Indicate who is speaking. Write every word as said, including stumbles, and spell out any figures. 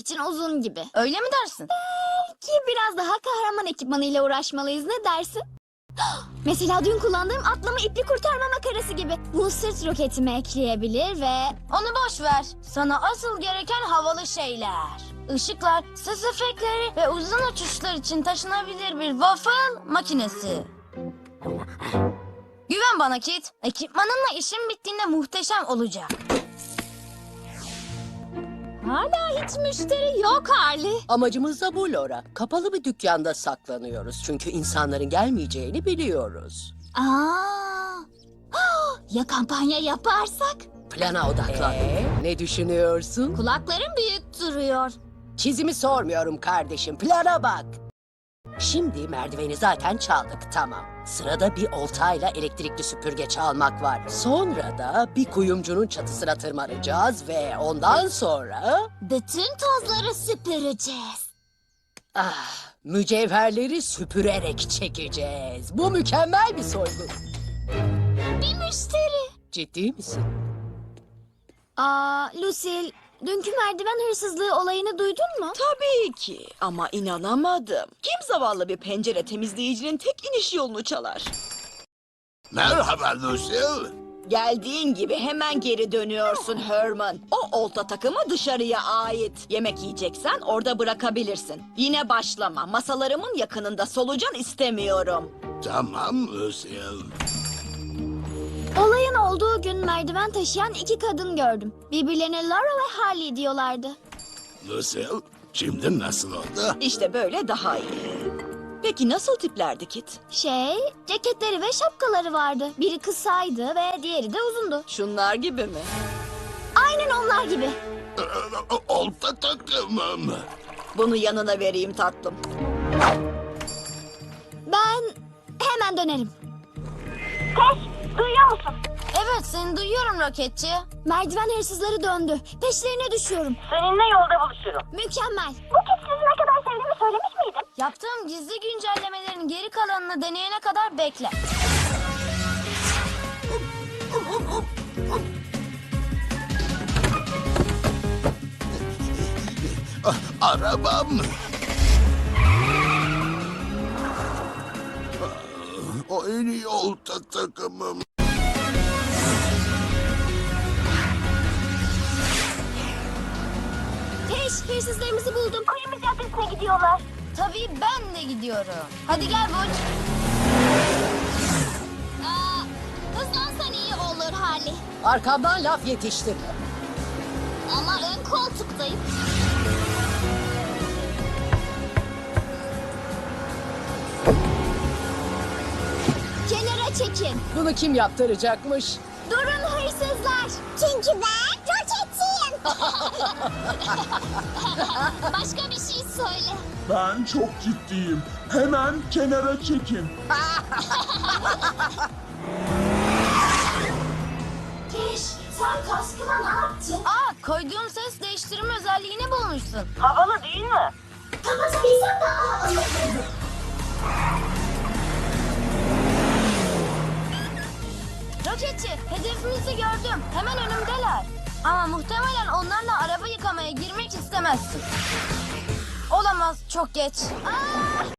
Speaker 1: için uzun gibi.
Speaker 2: Öyle mi dersin?
Speaker 1: Ki biraz daha kahraman ekipmanıyla uğraşmalıyız, ne dersin? Mesela dün kullandığım atlama ipli kurtarma makarası gibi. Bu sırt roketime ekleyebilir ve...
Speaker 2: Onu boş ver. Sana asıl gereken havalı şeyler. Işıklar, ses efektleri ve uzun uçuşlar için taşınabilir bir waffle makinesi. Güven bana Kit. Ekipmanınla işin bittiğinde muhteşem olacak.
Speaker 1: Hala hiç müşteri yok Harley.
Speaker 3: Amacımız da bu Laura. Kapalı bir dükkanda saklanıyoruz. Çünkü insanların gelmeyeceğini biliyoruz.
Speaker 1: Aa, ya kampanya yaparsak?
Speaker 3: Plana odaklan. Ee, ne düşünüyorsun?
Speaker 1: Kulaklarım büyük duruyor.
Speaker 3: Çizimi sormuyorum kardeşim. Plana bak. Şimdi merdiveni zaten çaldık, tamam. Sırada bir oltayla elektrikli süpürge çalmak var. Sonra da bir kuyumcunun çatısına tırmanacağız ve ondan sonra...
Speaker 1: Bütün tozları süpüreceğiz.
Speaker 3: Ah, mücevherleri süpürerek çekeceğiz. Bu mükemmel bir soygun.
Speaker 1: Bir müşteri.
Speaker 3: Ciddi misin?
Speaker 1: Aa, Lucille, dünkü merdiven hırsızlığı olayını duydun mu?
Speaker 4: Tabii ki ama inanamadım. Kim zavallı bir pencere temizleyicinin tek iniş yolunu çalar?
Speaker 5: Merhaba Lucille.
Speaker 4: Geldiğin gibi hemen geri dönüyorsun Herman. O olta takımı dışarıya ait. Yemek yiyeceksen orada bırakabilirsin. Yine başlama. Masalarımın yakınında solucan istemiyorum.
Speaker 5: Tamam Lucille.
Speaker 1: Olayın olduğu gün merdiven taşıyan iki kadın gördüm. Birbirlerine Laura ve Harley diyorlardı.
Speaker 5: Lucille, şimdi nasıl oldu?
Speaker 4: İşte böyle daha iyi. Peki nasıl tiplerdi Kit?
Speaker 1: Şey, ceketleri ve şapkaları vardı. Biri kısaydı ve diğeri de uzundu.
Speaker 4: Şunlar gibi mi?
Speaker 1: Aynen onlar gibi.
Speaker 5: Ee, Olta takımım.
Speaker 4: Bunu yanına vereyim tatlım.
Speaker 1: Ben hemen dönerim. Koş, duyuyor musun?
Speaker 2: Evet, seni duyuyorum roketçi.
Speaker 1: Merdiven hırsızları döndü. Peşlerine düşüyorum.
Speaker 6: Seninle yolda buluşurum.
Speaker 1: Mükemmel.
Speaker 6: Bu kez sizi ne kadar sevdiğimi söylemiş miydim?
Speaker 2: Yaptığım gizli güncellemelerin geri kalanını deneyene kadar bekle.
Speaker 5: Ah, arabam. Ah, o en iyi olta takımım.
Speaker 1: Teş, hırsızlarımızı buldum.
Speaker 6: Kuyumcu caddesine gidiyorlar.
Speaker 2: Tabii ben de gidiyorum. Hadi gel Burç.
Speaker 1: Aa, hızlansan iyi olur Harley.
Speaker 3: Arkamdan laf yetiştirme.
Speaker 1: Ama ön koltuktayım. Kenara çekin.
Speaker 3: Bunu kim yaptıracakmış?
Speaker 1: Durun hırsızlar. Çünkü ben roketçiyim. Başka bir şey söyle.
Speaker 7: Ben çok ciddiyim. Hemen kenara çekin.
Speaker 1: Teş, sen kaskıma ne yaptın?
Speaker 2: Aa, koyduğum ses değiştirme özelliğini bulmuşsun.
Speaker 6: Havalı değil mi?
Speaker 1: Kapatabilsem daha havalı.
Speaker 2: Roketçi, hedefimizi gördüm. Hemen önümdeler. Ama muhtemelen onlarla araba yıkamaya girmek istemezsin. Olamaz, çok geç.
Speaker 1: Aa,